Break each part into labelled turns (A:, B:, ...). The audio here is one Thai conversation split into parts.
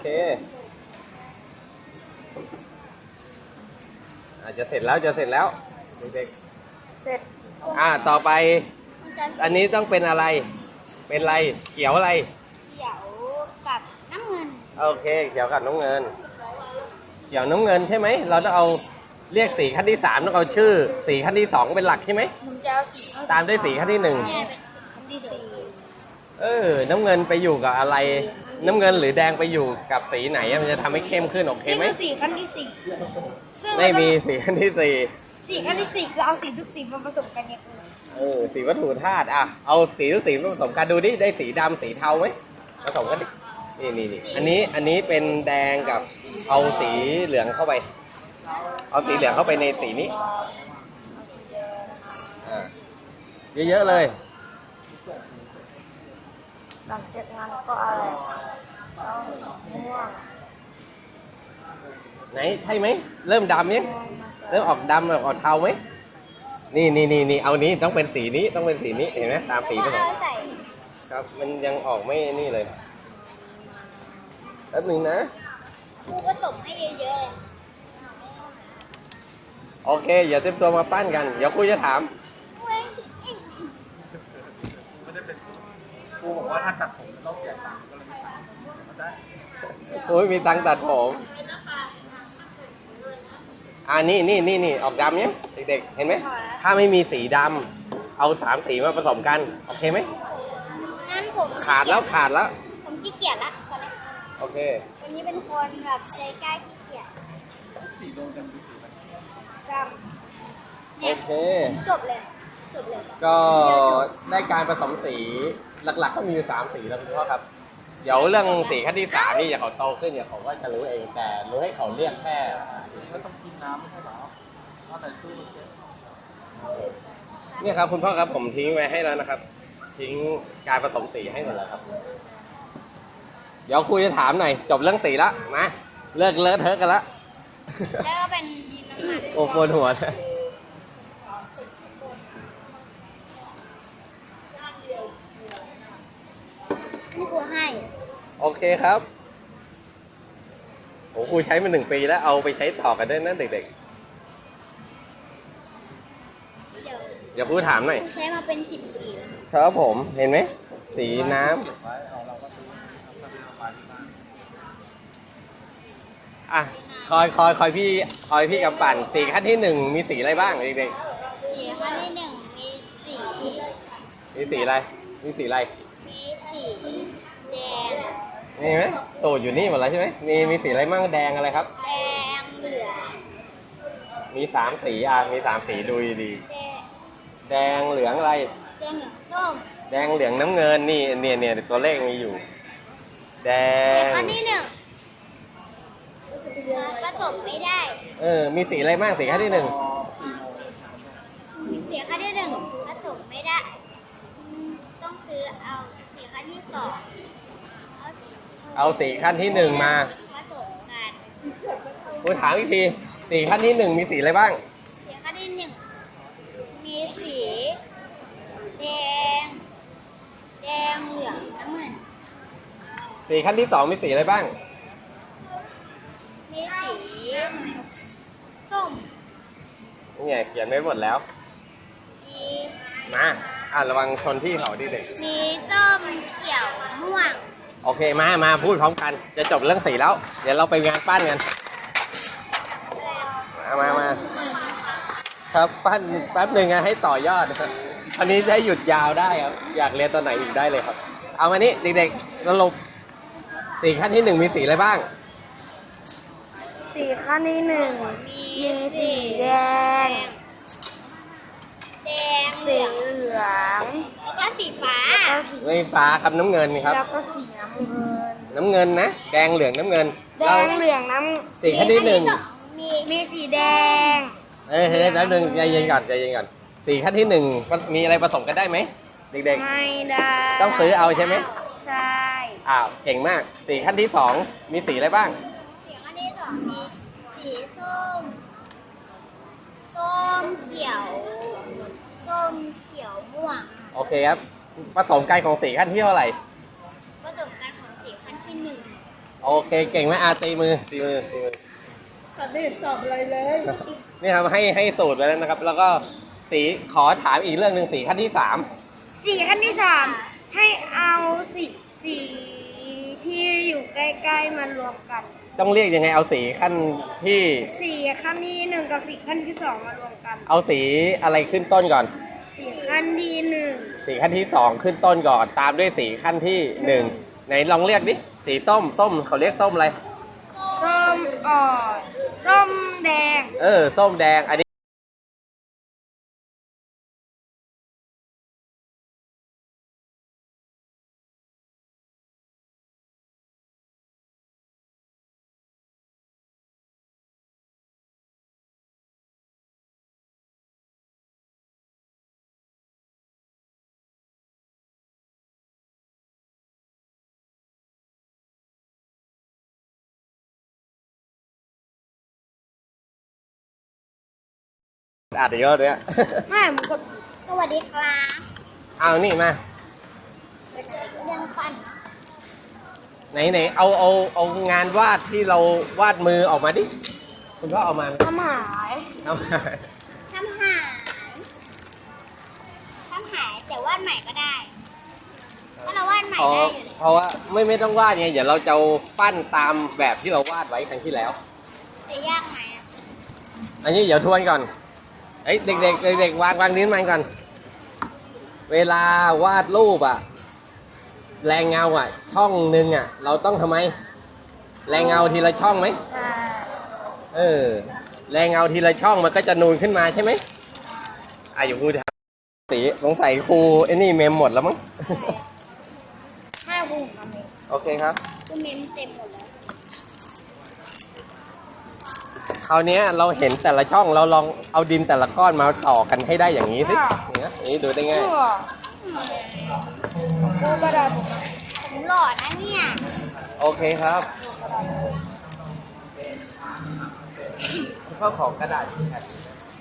A: เคจะเสร็จแล้วเด็ก
B: เสร็จ
A: ๆต่อไปอันนี้ต้องเป็นอะไรเป็นอะไรเขียวอะไร
B: เขียวกับน้ำเงิน
A: โอเคเขียวกับน้ำเงินเขียวน้ำเงินใช่ไหมเราต้องเอาเรียกสีขั้นที่3ต้องเอาชื่อสีขั้นที่2เป็นหลักใช่ไหม
B: ผมจะเอาสี
A: ตามด้วยสีขั้นที่1
B: เป็นขั้นที่สี่
A: น้ำเงินไปอยู่กับอะไรน้ำเงินหรือแดงไปอยู่กับสีไหนมันจะทำให้เข้มขึ้นโอเคไหม
B: นี่คือสีขั้นที่สี่
A: ไม่มีสีขั้นที่4
B: สีขั้นที่สี่คือเอาสีทุกสีมาผสมกันเนี่ย
A: สีวัตถุธาตุเอาสีทุกสีมาผสมกันดูดิได้สีดำสีเทาไหมผสมกันดินี่อันนี้เป็นแดงกับเอาสีเหลืองเข้าไปเอาสีเหลืองเข้าไปในสีนี้เยอะๆเลย
B: หลังจากนั้นก็อะไรม่วง
A: ไหนใช่ไหมเริ่มดำยังเริ่มออกดำออกเทาไหมนี่เอานี้ต้องเป็นสีนี้ต้องเป็นสีนี้เห็นไหมตามสีผสมครับมันยังออกไม่นี่เลยแป๊บนึงนะ
B: ครูผสมให้เยอะๆเลย
A: โอเคอย่าเต็มตัวมาปั้นกันเดี๋ยวครูจะถาม
C: ครูบอกว่าถ้าตัดผมต้องเสียตังค์ก็เลยไม่ตัดมาได้
A: โอ้ยมีตังค์ตัดผมนี่ออกดำยังเด็กๆเห็นไหมถ้าไม่มีสีดำเอา3สีมาผสมกันโอเคไหม
B: งั้นผม
A: ขาดแล้ว
B: ผมขี้เกียจละตอนนี้
A: โอเค
B: วันนี้เป็นคนแบบใจกล้าขี้เกียจ
C: สีลงกันดูสี
B: ดำ
A: โอเค
B: จบเลย
A: ก็ได้การผสมสีหลักๆก็มีอยู่3สีแล้วคุณพ่อครับเดี๋ยวเรื่องสีขั้นที่3นี่อย่าเขาโตขึ้นอย่าเขาก็จะรู้เองแต่รู้ให้เขาเรียกแค่
C: ไม่ต้องกินน้ำไม่ใช่หรอเอาแต่สู้
A: เนี่ยครับคุณพ่อครับผมทิ้งไว้ให้แล้วนะครับทิ้งการผสมสีให้หมดแล้วครับเดี๋ยวครูจะถามหน่อยจบเรื่องสีละมาเลิกเลอะเทอะกันละ
B: แล้วก็เป็นดินน้ำมัน
A: โอ้ปวดหัวเลย
B: นี่ครูให้
A: โอเคครับโอ้ครูใช้มา1 ปีแล้วเอาไปใช้ต่อกันด้วยนะเด็กๆเดี๋ยวครูถามหน่อย
B: ใช้มาเป็น10 ปี
A: ครับผมเห็นไหมสีน้ำคอยพี่กำปั่นสีขั้นที่1มีสีอะไรบ้างเด็ก
B: ๆสีขั้นที่1มี
A: สีอะไรมีสีแดงนี่ไหมตูดอยู่นี่หมดแล้วใช่ไหมมีสีอะไรบ้างแดงอะไรครับ
B: แดงเหลือง
A: มี3 สีมี3 สีดูดีแดงเหลืองอะไร
B: แดงเหลืองส้ม
A: แดงเหลืองน้ำเงินนี่เนี่ยตัวเลขมีอยู่แดง
B: ขั้นที่1ผสมไม่ได้
A: มีสีอะไรบ้างสีขั้นที่1
B: สีขั้นที่1ผสมไม่ได้ต้องซื้อเอาสีขั้นที่2
A: เอาสีขั้นที่1มา
B: ผสมกัน
A: กูถามอีกทีสีขั้นที่1มีสีอะไรบ้าง
B: สีขั้นที่1มีสีแดงเหลืองน้ำเงิน
A: สีขั้นที่2มีสีอะไรบ้าง
B: มีสีส้ม
A: นี่ไงเขียนไว้หมดแล้วมาระวังชนที่เขาดิเด็ก
B: มีส้มเขียวม่วง
A: โอเคมาพูดพร้อมกันจะจบเรื่องสีแล้วเดี๋ยวเราไปงานปั้นกันมาครับปั้นแป๊บหนึ่งให้ต่อยอดอันนี้ได้หยุดยาวได้ครับอยากเรียนตอนไหนอีกได้เลยครับเอามานี้เด็กๆสรุปสีขั้นที่1มีสีอะไรบ้าง
B: สีขั้นที่1มีสีแดงสีเหลืองแล้วก็สีฟ้า
A: ไม่ฟ้าครับน้ำเงินครับ
B: แล้วก็สีน้ำเงิน
A: นะแดงเหลืองน้ำเงิน
B: แดงเหลืองน้ำ
A: สีขั้นที่1
B: มีสีแดง
A: แล้วนึงใจเย็นก่อนสีขั้นที่1มีอะไรผสมกันได้ไหมเด็กๆ
B: ไม่ได้
A: ต้องซื้อเอาใช่ไหม
B: ใช่
A: เก่งมากสีขั้นที่2มีสีอะไรบ้าง
B: สีขั้นที่2มีสีส้มเขียวม่วง
A: โอเคครับผสมกันของสีขั้นที่เท่าไหร่
B: ผสมกันของสีขั้นที่1
A: โอเคเก่งไหมตีมือตีมือตีมือ
C: แต่ไม่เห็นตอบอะไรเลย
A: นี่ครับให้สูตรไปแล้วนะครับ แล้วก็สีขอถามอีกเรื่องหนึ่งสีขั้นที่ 3
B: สีขั้นที่สามให้เอาสีที่อยู่ใกล้ๆมารวมกัน
A: ต้องเรียกยังไงเอาสีขั้นที่
B: สีขั้นที่หนึ่งกับสีขั้นที่สองมารวมกัน
A: เอาสีอะไรขึ้นต้นก่อน
B: สีขั้นที่หนึ่ง
A: สีขั้นที่ 2 ขึ้นต้นก่อน ตามด้วยสีขั้นที่ 1ไหนลองเรียกดิสีส้มเขาเรียกส้มอะไร
B: ส้มอ่อนส้มแดง
A: ส้มแดงอันนี้อาจจะเยอะเลยอะ
B: ไม่มันก็สวัสดีครับ
A: เอานี่มา
B: เรื่องฟัน
A: ไหนเอางานวาดที่เราวาดมือออกมาดิคุณก็เอามา
B: ทำหาย
A: เอามา
B: ทำหายแต่วาดใหม่ก็ได้ถ้าเราวาดใหม่
A: เพราะ
B: ได้อยู่เลย
A: เพราะว่าไม่ต้องวาดไงเดี๋ยวเราจะปั้นตามแบบที่เราวาดไว้ครั้งที่แล้ว
B: จะยากไหมอะ
A: อันนี้เดี๋ยวทวนก่อนเอ้ยเด็กวางนิ้วมันก่อนเวลาวาดรูปอะแรงเงาอะช่องหนึ่งอะเราต้องทำไม แรงเงาทีละช่องไหมแรงเงาทีละช่องมันก็จะนูนขึ้นมาใช่ไหมอย่าพูดครับสีสงสัยครูไอ้นี่เมมหมดแล้วมั้ง
B: ห้าบุ้งทำเอง
A: โอเคครับ
B: คือเมมเต็มหมดแล้ว
A: คราวนี้เราเห็นแต่ละช่องเราลองเอาดินแต่ละก้อนมาต่อกันให้ได้อย่างนี้สิอย่างนี้ดูได้ง่าย
B: กูกระดาษผมหล่อนะเนี่ย
A: โอเคครับข้าวของกระดาษแผ่น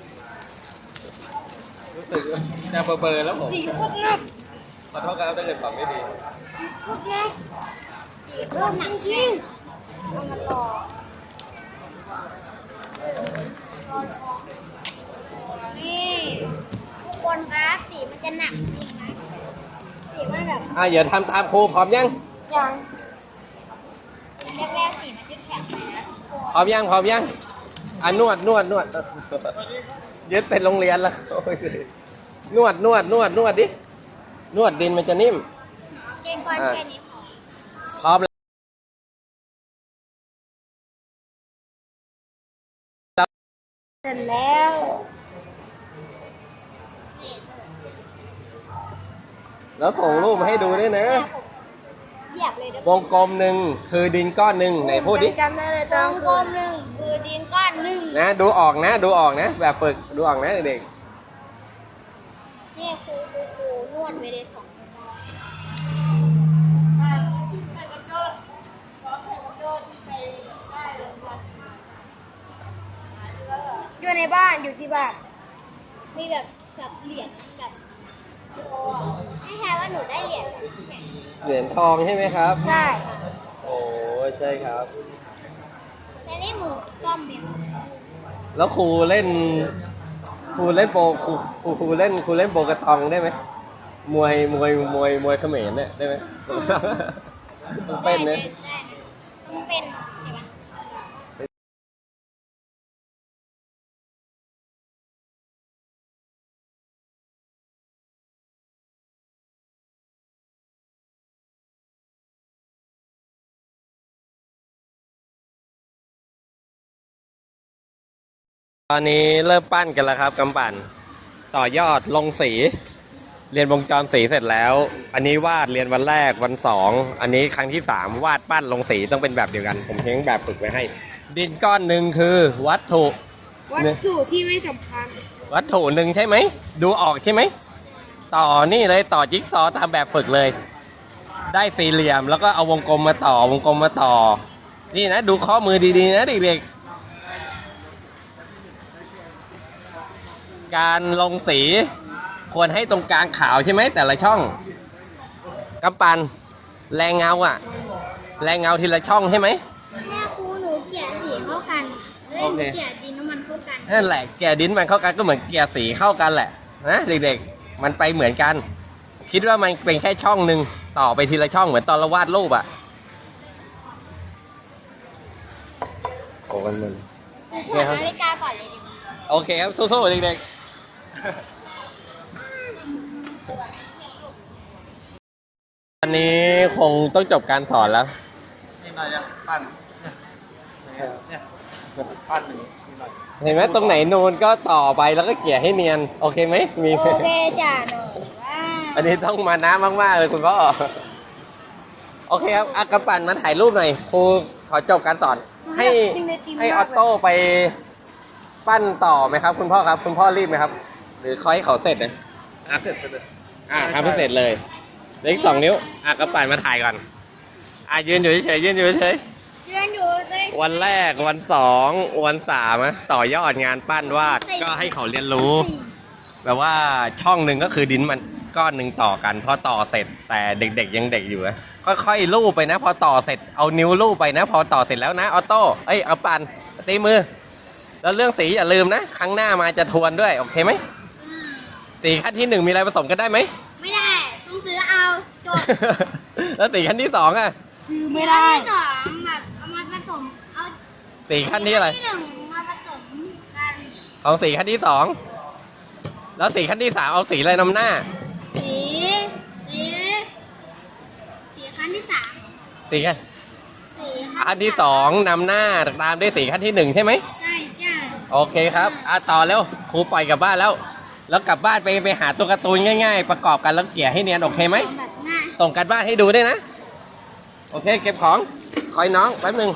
A: รู้สึกจะเบอร์แล้วผม
B: สีโคตรหนัก
A: ขอโทษครับถ้าเกิดตอบไม่ดี
B: โคตรหนักสีโคตรหนักจริงเอามันหล่อนี่ทุกคนครับสีมันจะหนักจริงนะสีมันแบบ
A: เดี๋ยวทำตามครูพร้อมยัง
B: ยังแรกๆสีมันจะแข็งนะ
A: พร้อมยังนวดยึดเป็นโรงเรียนแล้วโอ้ยนวดดินวดดินมันจะนิ่ม
B: เกณฑ์ก่อนแค่นี้พอ
A: พร้อมแล้ว
B: เสร็จแล้ว
A: แล้วส่งรูปมาให้ดูด้วยนะ
B: เหยียบเลยเดี๋ยว
A: วงกลมหนึ่งคือดินก้อนหนึ่งไหนพูดดิ
B: จำได้เลยตรงกลมหนึ่งคือดินก้อนหนึ่ง
A: นะดูออกนะแบบฝึกดูออกนะเด็ก
B: นี่ครูนวดไปเลย2 อยู่ในบ้านอยู่ที่บ้าน มีแบบเหรียญแบบให้ทายว่าหนูได้เหรียญ
A: เหรียญทองใช่ไหมครับ
B: ใช่
A: โอ้ใช่ครับ
B: แต่นี่หมูซ่อมเบียง
A: แล้วครูเล่นโปครูเล่นโปกระตองได้ไหมมวยเขมรเนี่ยได้ไหม ต้องเป็นเนี่ย
B: ต้องเป็นใช่ไหม
A: ตอนนี้เริ่มปั้นกันแล้วครับกำปั่นต่อยอดลงสี เรียนวงจรสีเสร็จแล้ว อันนี้วาดเรียนวันแรกวัน2อันนี้ครั้งที่3วาดปั้นลงสีต้องเป็นแบบเดียวกันผมทิ้งแบบฝึกไว้ให้ ดินก้อนหนึ่งคือวัตถุ
B: ที่ไม่สำคัญ
A: วัตถุหนึ่งใช่ไหมดูออกใช่ไหมต่อนี่เลยต่อจิ๊กซอว์ตามแบบฝึกเลย ได้สี่เหลี่ยมแล้วก็เอาวงกลมมาต่อนี่นะดูข้อมือดีๆนะเด็กๆการลงสีควรให้ตรงกลางขาวใช่ไหมแต่ละช่องกำปันแรงเงาแรงเงาทีละช่องใช่ไหม
B: แม่ครูหนูเกลี่ยสีเข้ากันเล่
A: โอน เค
B: เกลี่ยดินน้ำมันเข้ากัน
A: นั่นแหละเกียร์ดินมันเข้ากันก็เหมือนเกียร์สีเข้ากันแหละนะเด็กๆมันไปเหมือนกัน คิดว่ามันเป็นแค่ช่องหนึ่งต่อไปทีละช่องเหมือนตอนเราวาดรูปอะโอ้มัน
B: ครูถอดนาฬิกาก่อนเลยดิ
A: โอเคครับสู้ๆเด็กๆวันนี้คงต้องจบการสอนแล้ว
C: นี่หน่อยยังปั้นเนี่ยปั้นหนึ่งนี่หน่อย
A: เห็นไหมตรงไหนนูนก็ต่อไปแล้วก็เกลี่ยให้เนียนโอเคไหมมี
B: โอเคจ้ะหนูว่า
A: อันนี้ต้องมานะมากๆเลยคุณพ่อโอเคครับอากระปั่นมาถ่ายรูปหน่อยครูขอจบการสอนให้ออโต้ไปปั้นต่อไหมครับ คุณพ่อครับ คุณพ่อรีบไหมครับ หรือคอยเขาเสร็จนะ
C: เสร็จไปเลย
A: ทำให้เสร็จเลยเหลืออีก2 นิ้วอากระปั่นมาถ่ายก่อนยืนอยู่เฉยๆยืนอยู่เฉย
B: เรียนอยู่เลย
A: ๆวันแรกวัน2วัน3นะต่อยอดงานปั้นวาดก็ให้เขาเรียนรู้ แบบว่าช่องหนึ่งก็คือดินมันก้อนหนึ่งต่อกันพอต่อเสร็จแต่เด็กๆยังเด็กอยู่นะค่อยๆลูบไปนะ พอต่อเสร็จเอานิ้วลูบไปนะ พอต่อเสร็จแล้วนะออโต้เอาปั่นตีมือ แล้วเรื่องสีอย่าลืมนะ ครั้งหน้ามาจะทวนด้วยโอเคไหมสีขั้นที่1มีอะไรผสมกันได้ไหม
B: ไม่ได้ต้องซื้อเอาจบ
A: แล้วสีขั้นที่2อ่ะ
B: ซื้อไม่ได้ที่2แบบเอามาผสมเอา
A: สีขั้นที่อะไร
B: ที่1มาผสมกัน
A: ของสีขั้นที่2แล้วสีขั้นที่3เอาสีอะไรนำหน้า
B: สีสีขั้นที่3
A: สีขั้น
B: สี
A: ขั้นที่2นำหน้าตามด้วยสีขั้นที่1ใช่ไหม
B: ใช่จ้ะ
A: โอเคครับต่อแล้วครูปล่อยกลับบ้านแล้ว แล้วกลับบ้านไปหาตัวการ์ตูนง่ายๆ ประกอบกันแล้วเกลี่ยให้เนียนโอเคไหม
B: แบบง่าย
A: ส่งกันบ้านให้ดูด้วยนะ โอเคเก็บของคอยน้องแป๊บนึง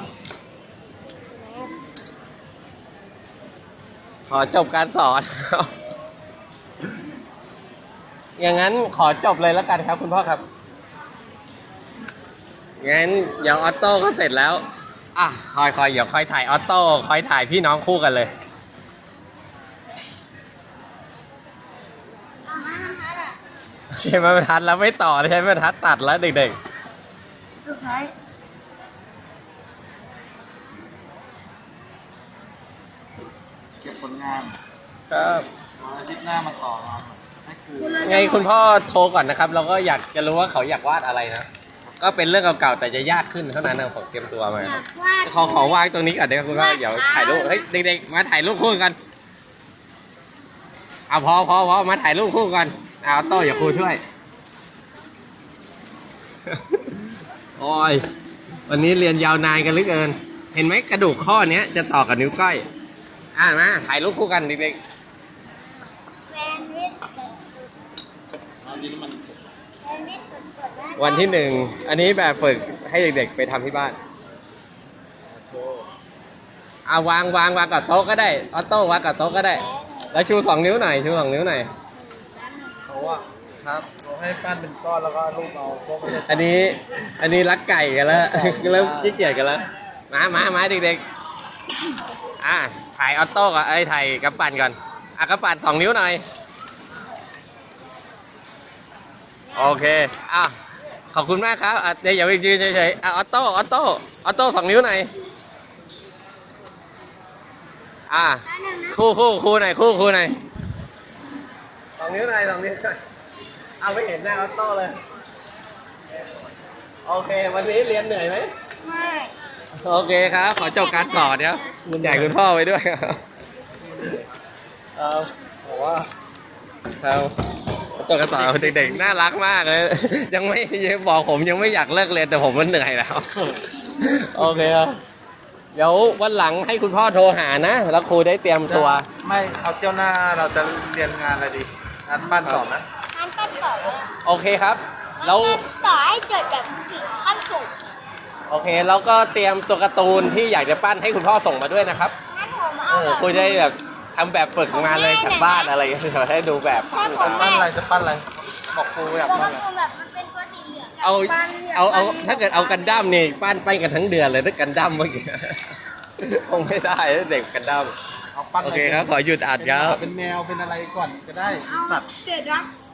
A: ขอจบการสอน อย่างนั้นขอจบเลยแล้วกันครับคุณพ่อครับงั้นเดี๋ยวออโต้ก็เสร็จแล้วคอยเดี๋ยวคอยถ่ายออโต้คอยถ่ายพี่น้องคู่กันเลย
B: เอามาทำทัดอ่ะ
A: ใช้ไม้บรรทัดแล้วไม่ต่อเลยใช้ไม้บรรทัดตัดแล้วเด็ก
B: สุดท้าย
C: เก็บผลงาน
A: ๆครับ
C: อาทิตย์หน้ามาต่อมาให้คือ
A: ไงคุณพ่อโทรก่อนนะครับ เราก็อยากจะรู้ว่าเขาอยากวาดอะไรนะก็เป็นเรื่องเก่าๆแต่จะยากขึ้นเท่านั้นนะผมเตรียมตัวมา
B: อยากวาด
A: ขอวางตรงนี้ก่อนเดี๋ยวคุณพ่อเดี๋ยวถ่ายรูปเฮ้ยเด็กๆมาถ่ายรูปคู่กันพอมาถ่ายรูปคู่กันโต้อย่าครูช่วย โอ้ยวันนี้เรียนยาวนานกันเหลือเกิน เห็นไหมกระดูกข้อเนี้ยจะต่อกับนิ้วก้อยมาถ่ายรูปคู่กันเด็ก
B: แซนด์วิช
C: เอาดินมัน
B: แซนด์วิชสดๆนะ
A: ๆวันที่1อันนี้แบบฝึกให้เด็กๆไปทำที่บ้าน
C: โชว์
A: วางกับโต๊ะก็ได้ออโต้วางกับโต๊ะก็ได้ แล้วชู2 นิ้วหน่อยชู2 นิ้วหน่อย
C: เขาว่า
A: ครับ
C: เขาให้ปั้นเป็นก้อนแล้วก็รูปเอาพวกไม่ได้
A: อันนี้รักไก่กันแล้ว เริ่มขี้เกียจกันแล้วมาเด็กๆถ่ายออโต้ก่อนถ่ายกระปั่นก่อนกระปั่น2 นิ้วหน่อยโอเคขอบคุณมากครับเดี๋ยวอย่าไปยืนเฉยๆออโต้2 นิ้วหน่อยคู่หน่อยคู่หน่อย2 นิ้วหน่อย2 นิ้วหน่อยไม่เห็นหน้าออโต้เลยโอเควันนี้เรียนเหนื่อยไหม
B: ไม่
A: โอเคครับขอจบการสอนเดี๋ยวคุณใหญ่คุณพ่อไว้ด้วยบอกว่าจบการสอนเด็กๆน่ารักมากเลยยังบอกผมยังไม่อยากเลิกเรียนแต่ผมมันเหนื่อยแล้วโอเคครับเดี๋ยววันหลังให้คุณพ่อโทรหานะแล้วครูได้เตรียมตัว
C: ไม่เอาเที่ยวหน้าเราจะเรียนงานอะไรดีงานปั้นต่อนะ
B: งั้นปั้นต่อเลย
A: โอเคครับแล้ว
B: ต่อให้เกิดแบบขั้นสูง
A: โอเคแล้วก็เตรียมตัวการ์ตูนที่อยากจะปั้นให้คุณพ่อส่งมาด้วยนะครับ
B: งั้นผมเอาแบบ
A: ครูจะได้แบบทำแบบฝึกมาเลยจากบ้านอะไรอย่างเงี้ยให้ดูแบบ
C: ปั้นอะไรจะปั้นอะไรบอกครูอยาก
B: ตัว
C: ปั้
B: กาน
C: อะไร
B: ร์ตูนแบบมันเป็นตัวสีเหลือง
A: เอาถ้าเกิดเอากันดั้มนี่ปั้นกันทั้งเดือนเลยถ้ากันดั้มเมื่อกี้ คงไม่ได้เด็กกันดั้ม
C: เอาปั้น
A: โอเคครับขอหยุดอัดครับ
C: เป็นแมวเป็นอะไรก่อนก็ได้
B: เอา
C: สัตว์
B: เจ็ดรัก